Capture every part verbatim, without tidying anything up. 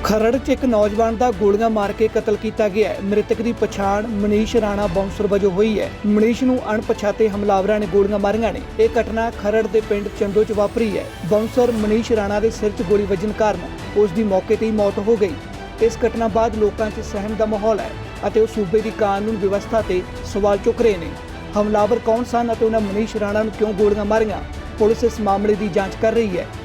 खरड़ च एक नौजवान का गोलियां मार के कतल किया गया है। मृतक की पछाण मनीष राणा बाउंसर वजों हुई है। मनीष नूं अणपछाते हमलावरां ने गोलियां मारियां ने। यह घटना खरड़ के पिंड चंदो च वापरी है। बाउंसर मनीष राणा के सिर च गोली वजन कारण उसकी मौके ते ही मौत हो गई। इस घटना बाद लोगों च सहम का माहौल है और उस सूबे की कानून व्यवस्था से सवाल चुक रहे हैं। हमलावर कौन सन और उन्होंने मनीष राणा नूं क्यों गोलियां मारियां, पुलिस इस मामले की जांच कर रही है।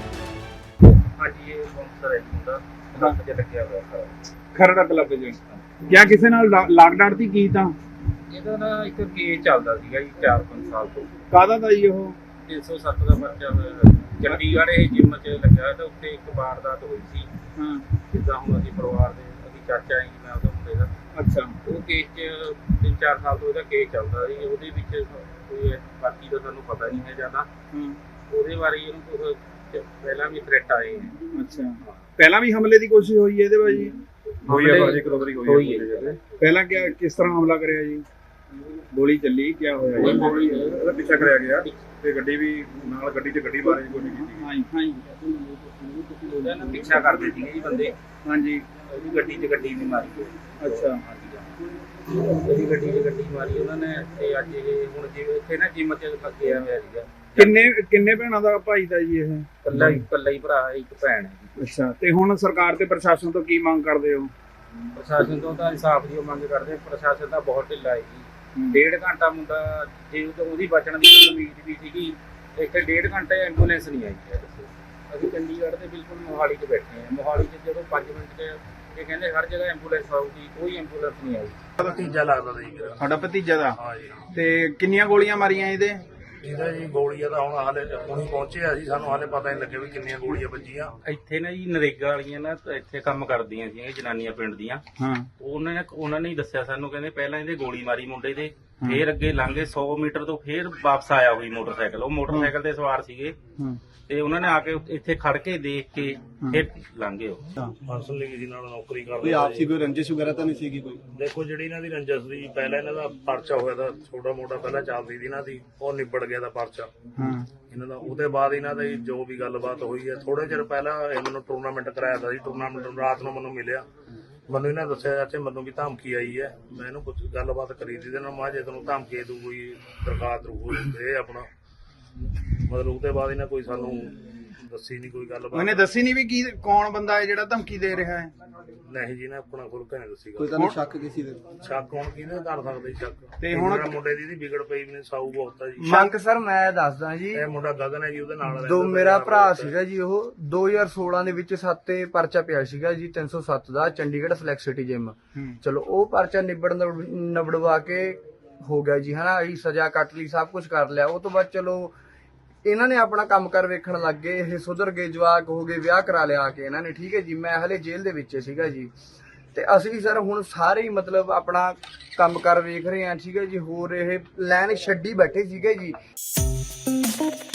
ਖਰੜਾ ਕਲੱਬ ਚ ਕਿਆ ਕਿਸੇ ਨਾਲ ਲਾਗ ਡਾਟ ਦੀ ਕੀ ਤਾਂ ਇਹਦਾ ਨਾ ਇੱਕ ਕੇਸ ਚੱਲਦਾ ਸੀਗਾ ਜੀ ਚਾਰ ਪੰਜ ਸਾਲ ਤੋਂ। ਕਾਹਦਾ ਦਾ ਜੀ ਉਹ ਤਿੰਨ ਸੌ ਸੱਤ ਦਾ ਪਰਚਾ ਹੋਇਆ। ਚੰਡੀਗੜ੍ਹ ਇਹ ਜਿੰਮ 'ਚ ਲੱਗਿਆ ਤਾਂ ਉੱਤੇ ਇੱਕ ਵਾਰਦਾਤ ਹੋਈ ਸੀ। ਹਾਂ ਜਿੱਦਾਂ ਹੁਣ ਅਸੀਂ ਪਰਿਵਾਰ ਦੇ ਅਸੀਂ ਚਾਚਾ ਜੀ ਮੈਂ ਉਹਦਾ ਮੁੰਡੇ ਦਾ। ਅੱਛਾ ਉਹ ਕੇਸ 'ਚ ਤਿੰਨ ਚਾਰ ਸਾਲ ਤੋਂ ਇਹਦਾ ਕੇਸ ਚੱਲਦਾ ਸੀ। ਉਹਦੇ ਵਿੱਚ ਕੋਈ ਬਾਕੀ ਦਾ ਸਾਨੂੰ ਪਤਾ ਨਹੀਂ ਹੈ ਜ਼ਿਆਦਾ। ਉਹਦੇ ਬਾਰੇ ਇਹਨੂੰ ਕੁਛ ਪਹਿਲਾਂ ਵੀ ਥ੍ਰੈਟ ਆਏ ਹੈ। ਅੱਛਾ ਪਹਿਲਾਂ ਵੀ ਹਮਲੇ ਦੀ ਕੋਸ਼ਿਸ਼ ਹੋਈ ਹੈ ਇਹਦੇ ਬਾਜੀ ਹੋਈ ਹੈ ਭਾਜੀ, ਇੱਕ ਦੋ ਵਾਰੀ ਹੋਈ ਹੈ। ਪਹਿਲਾਂ ਕਿਆ ਕਿਸ ਤਰ੍ਹਾਂ ਹਮਲਾ ਕਰਿਆ ਜੀ? ਗੋਲੀ ਚੱਲੀ ਕਿਆ ਹੋਇਆ ਜੀ? ਗੋਲੀ ਉਹਦਾ ਪਿੱਛਾ ਕਰਿਆ ਗਿਆ ਤੇ ਗੱਡੀ ਵੀ ਨਾਲ ਗੱਡੀ 'ਚ ਗੱਡੀ ਮਾਰਨ ਦੀ ਕੋਸ਼ਿਸ਼ ਕੀਤੀ। ਹਾਂਜੀ ਹਾਂਜੀ ਉਹਦਾ ਨਾ ਪਿੱਛਾ ਕਰਦੇ ਸੀਗੇ ਜੀ ਬੰਦੇ। ਹਾਂਜੀ ਉਹਦੀ ਗੱਡੀ 'ਚ ਗੱਡੀ ਨਹੀਂ ਮਾਰੀ। ਅੱਛਾ ਉਹਦੀ ਗੱਡੀ 'ਚ ਗੱਡੀ ਮਾਰੀ ਉਹਨਾਂ ਨੇ। ਤੇ ਅੱਜ ਇਹ ਹੁਣ ਜਿਵੇਂ ਇੱਥੇ ਨਾ ਜਿੰਮ 'ਚ ਲੱਗਿਆ ਹੋਇਆ ਸੀਗਾ। ਕਿੰਨੇ ਕਿੰਨੇ ਭੈਣਾਂ ਦਾ ਭਾਈ ਦਾ ਜੀ ਇਹ? ਇਕੱਲਾ ਹੀ ਇਕੱਲਾ ਹੀ ਭਰਾ ਹੈ, ਇੱਕ ਭੈਣ ਹੈ ਜੀ। ਅੱਛਾ ਤੇ ਹੁਣ ਸਰਕਾਰ ਤੇ ਪ੍ਰਸ਼ਾਸਨ ਤੋਂ ਕੀ ਮੰਗ ਕਰਦੇ ਹੋ? ਪ੍ਰਸ਼ਾਸਨ ਤੋਂ ਤਾਂ ਇਨਸਾਫ ਦੀ ਮੰਗ ਕਰਦੇ। ਪ੍ਰਸ਼ਾਸਨ ਦਾ ਬਹੁਤ ਢਿੱਲਾ ਹੈ ਜੀ। ਡੇਢ ਘੰਟਾ ਮੁੰਡਾ ਜੇ ਉਹਦੀ ਬਚਣ ਦੀ ਕੋਈ ਉਮੀਦ ਵੀ ਸੀਗੀ, ਇੱਥੇ ਡੇਢ ਘੰਟੇ ਐਂਬੂਲੈਂਸ ਨਹੀਂ ਆਈ ਹੈ। ਦੱਸੋ ਅਸੀਂ ਚੰਡੀਗੜ੍ਹ ਦੇ ਬਿਲਕੁਲ ਮੋਹਾਲੀ 'ਚ ਬੈਠੇ ਹਾਂ। ਮੋਹਾਲੀ 'ਚ ਜਦੋਂ ਪੰਜ ਮਿੰਟ 'ਚ ਇਹ ਕਹਿੰਦੇ ਹਰ ਜਗ੍ਹਾ ਐਂਬੂਲੈਂਸ ਆਊਗੀ, ਕੋਈ ਐਂਬੂਲੈਂਸ ਨਹੀਂ ਆਈ। ਭਤੀਜਾ ਲੱਗਦਾ ਸੀ ਮੇਰਾ। ਸਾਡਾ ਭਤੀਜਾ ਦਾ? ਹਾਂ ਜੀ। ਤੇ ਕਿੰਨੀਆਂ ਗੋਲੀਆਂ ਮਾਰੀਆਂ ਇਹਦੇ? ਇਹਦਾ ਜੀ ਗੋਲੀਆਂ ਤਾਂ ਹੁਣ ਹਾਲੇ ਹੁਣੀ ਪਹੁੰਚੇ ਆ ਜੀ, ਸਾਨੂੰ ਹਾਲੇ ਪਤਾ ਨਹੀਂ ਲੱਗਿਆ ਵੀ ਕਿੰਨੀਆਂ ਗੋਲੀਆਂ ਵੱਜੀਆਂ। ਇੱਥੇ ਨਾ ਜੀ ਨਰੇਗਾ ਵਾਲੀਆਂ ਨਾ ਇੱਥੇ ਕੰਮ ਕਰਦੀਆਂ ਸੀ ਜਨਾਨੀਆਂ ਪਿੰਡ ਦੀਆਂ। ਹਾਂ ਉਹਨਾਂ ਨੇ ਉਹਨਾਂ ਨੇ ਹੀ ਦੱਸਿਆ ਸਾਨੂੰ, ਕਹਿੰਦੇ ਪਹਿਲਾਂ ਇਹਦੇ ਗੋਲੀ ਮਾਰੀ ਮੁੰਡੇ ਤੇ, ਫੇਰ ਅੱਗੇ ਲੰਘੇ ਸੌ ਮੀਟਰ ਤੋਂ ਫੇਰ ਵਾਪਸ ਆਇਆ ਹੋਈ ਮੋਟਰਸਾਈਕਲ। ਉਹ ਮੋਟਰਸਾਈਕਲ ਤੇ ਸਵਾਰ ਸੀਗੇ ਤੇ ਉਹਨਾਂ ਨੇ ਆ ਕੇ ਇੱਥੇ ਖੜ ਕੇ ਦੇਖ ਕੇ ਫਿਰ ਲੰਘੇ। ਉਹ ਫਸਲ ਲਈ ਜੀ ਨਾਲ ਨੌਕਰੀ ਕਰਦੇ। ਕੋਈ ਆਪਸੀ ਕੋਈ ਰੰਜਿਸ਼ ਵਗੈਰਾ ਤਾਂ ਨਹੀਂ ਸੀਗੀ ਕੋਈ? ਦੇਖੋ ਜਿਹੜੀ ਇਹਨਾਂ ਦੀ ਰੰਜਸ ਦੀ ਪਹਿਲਾਂ ਇਹਨਾਂ ਦਾ ਪਰਚਾ ਹੋਇਆ ਤਾਂ ਛੋਟਾ ਮੋਟਾ ਪਹਿਲਾਂ ਚੱਲਦੀ ਸੀ ਇਹਨਾਂ ਦੀ, ਉਹ ਨਿਬੜ ਗਿਆ ਦਾ ਪਰਚਾ ਹਾਂ ਇਹਨਾਂ ਦਾ। ਉਹਦੇ ਬਾਅਦ ਇਹਨਾਂ ਦੀ ਜੋ ਵੀ ਗੱਲਬਾਤ ਹੋਈ ਹੈ, ਥੋੜੇ ਚਿਰ ਪਹਿਲਾਂ ਇਹ ਮੈਨੂੰ ਟੂਰਨਾਮੈਂਟ ਕਰਾਇਆ ਤਾ ਜੀ। ਟੂਰਨਾਮੈਂਟ ਰਾਤ ਨੂੰ ਮੈਨੂੰ ਮਿਲਿਆ, ਮੈਨੂੰ ਇਹਨਾਂ ਦੱਸਿਆ ਚਾਚੇ ਮੈਨੂੰ ਵੀ ਧਮਕੀ ਆਈ ਹੈ। ਮੈਂ ਇਹਨੂੰ ਕੁਝ ਗੱਲਬਾਤ ਕਰੀ ਦੀ ਨਾਲ ਮਾਂ ਜੇ ਤੈਨੂੰ ਧਮਕੀ ਦੂ ਕੋਈ ਦਰਖਾਸਤ ਰੂ ਇਹ ਆਪਣਾ ਮਤਲਬ। ਉਹਦੇ ਬਾਅਦ ਇਹਨਾਂ ਕੋਈ ਸਾਨੂੰ ਦੱਸੀ ਨਹੀਂ ਕੋਈ ਗੱਲਬਾਤ। ਉਹਨੇ ਦੱਸੀ ਨਹੀਂ ਵੀ ਕੀ ਕੌਣ ਬੰਦਾ ਹੈ ਜਿਹੜਾ ਧਮਕੀ ਦੇ ਰਿਹਾ ਹੈ? ਨਹੀਂ ਜੀ, ਨੇ ਆਪਣਾ ਖੁੱਲ ਕੇ ਨਹੀਂ ਦੱਸੀ ਕੋਈ ਗੱਲ। ਤੁਹਾਨੂੰ ਸ਼ੱਕ ਕਿਸੇ ਦੇ? ਸ਼ੱਕ ਹੁਣ ਕਿਹਨੇ ਕਰ ਸਕਦੇ ਸ਼ੱਕ? ਤੇ ਹੁਣ ਮੁੰਡੇ ਦੀ ਵਿਗੜ ਪਈ ਵੀ ਨੇ, ਸਾਊ ਬਹੁਤ ਆ ਜੀ। ਸ਼ੱਕ ਸਰ ਮੈਂ ਦੱਸਦਾ ਜੀ, ਇਹ ਮੁੰਡਾ ਗਗਨ ਹੈ ਜੀ, ਉਹਦੇ ਨਾਲ ਦੋ ਮੇਰਾ ਭਰਾ ਸੀਗਾ ਜੀ। ਉਹ ਦੋ ਹਜ਼ਾਰ ਸੋਲਾਂ ਦੇ ਵਿੱਚ ਸੱਤ ਤੇ ਪਰਚਾ ਪਿਆ ਸੀਗਾ ਜੀ ਤਿੰਨ ਸੌ ਸੱਤ ਦਾ, ਚੰਡੀਗੜ੍ਹ ਫਲੈਕਸ ਸਿਟੀ ਜਿਮ। ਚਲੋ ਉਹ ਪਰਚਾ ਨਿਬੜ ਨਬੜਵਾ ਕੇ ਹੋ ਗਿਆ ਜੀ, ਹਨਾ। ਅਸੀਂ ਸਜ਼ਾ ਕੱਟ ਲਈ, ਸਭ ਕੁਝ ਕਰ ਲਿਆ। ਉਹ ਤੋਂ ਬਾਅਦ ਚਲੋ ਇਹਨਾਂ ਨੇ ਆਪਣਾ ਕੰਮ ਕਰ ਵੇਖਣ ਲੱਗ ਗਏ। ਇਹ ਸੁਧਰ ਗਏ, ਜਵਾਕ ਹੋ ਗਏ, ਵਿਆਹ ਕਰਾ ਲਿਆ ਆ ਕੇ ਇਹਨਾਂ ਨੇ। ਠੀਕ ਹੈ ਜੀ, ਮੈਂ ਹਲੇ ਜੇਲ੍ਹ ਦੇ ਵਿੱਚ ਸੀਗਾ ਜੀ। ਤੇ ਅਸੀਂ ਸਰ ਹੁਣ ਸਾਰੇ ਹੀ ਮਤਲਬ ਆਪਣਾ ਕੰਮ ਕਰ ਵੇਖ ਰਹੇ ਹਾਂ। ਠੀਕ ਹੈ ਜੀ, ਹੋਰ ਇਹ ਲਾਈਨ ਛੱਡੀ ਬੈਠੇ ਸੀਗੇ ਜੀ।